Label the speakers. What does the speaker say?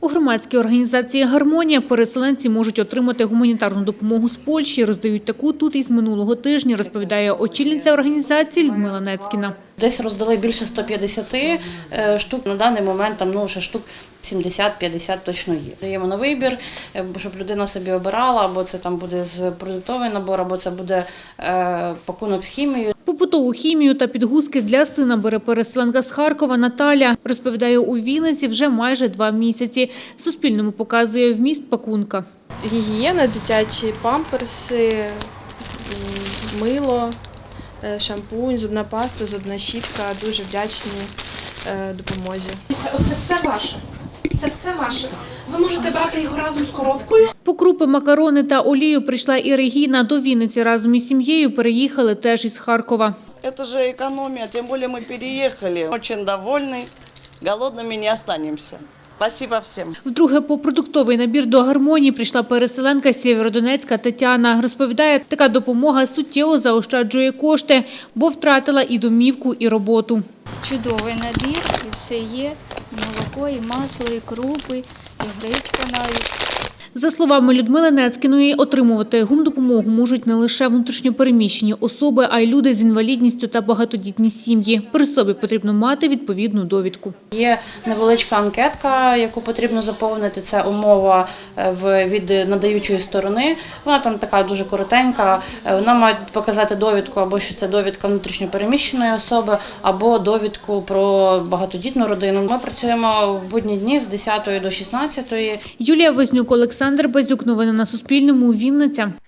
Speaker 1: У громадській організації «Гармонія» переселенці можуть отримати гуманітарну допомогу з Польщі. Роздають таку тут із минулого тижня, розповідає очільниця організації Людмила Нецькіна.
Speaker 2: Десь роздали більше 150 штук. На даний момент там ще штук 70-50 точно є. Даємо на вибір, щоб людина собі обирала, або це там буде з продуктовий набор, або це буде пакунок з хімією.
Speaker 1: Побутову хімію та підгузки для сина бере переселенка з Харкова Наталя. Розповідає, у Вінниці вже майже 2 місяці. Суспільному показує вміст пакунка.
Speaker 3: Гігієна, дитячі памперси, мило, шампунь, зубна паста, зубна щітка. Дуже вдячні допомозі.
Speaker 4: Оце все ваше. Це все ваше. Ви можете брати його разом з коробкою.
Speaker 1: По крупи, макарони та олію прийшла і Регіна. До Вінниці разом із сім'єю переїхали теж із Харкова.
Speaker 5: Это же экономия, тем более мы переехали. Очень довольны, голодными не останемся. Спасибо всем.
Speaker 1: Вдруге по продуктовий набір до «Гармонії» прийшла переселенка з Сєвєродонецька Тетяна. Розповідає, така допомога суттєво заощаджує кошти, бо втратила і домівку, і роботу.
Speaker 6: Чудовий набір, і все є, і молоко, і масло, і крупи, і гречка навіть.
Speaker 1: За словами Людмили Нецькіної, отримувати гумдопомогу можуть не лише внутрішньопереміщені особи, а й люди з інвалідністю та багатодітні сім'ї. При собі потрібно мати відповідну довідку.
Speaker 2: Є невеличка анкетка, яку потрібно заповнити. Це умова від надаючої сторони. Вона там така дуже коротенька. Вона має показати довідку, або що це довідка внутрішньопереміщеної особи, або довідку про багатодітну родину. Ми працюємо в будні дні з 10 до 16.
Speaker 1: Юлія Вознюк, Олександр Базюк. Новини на Суспільному. Вінниця.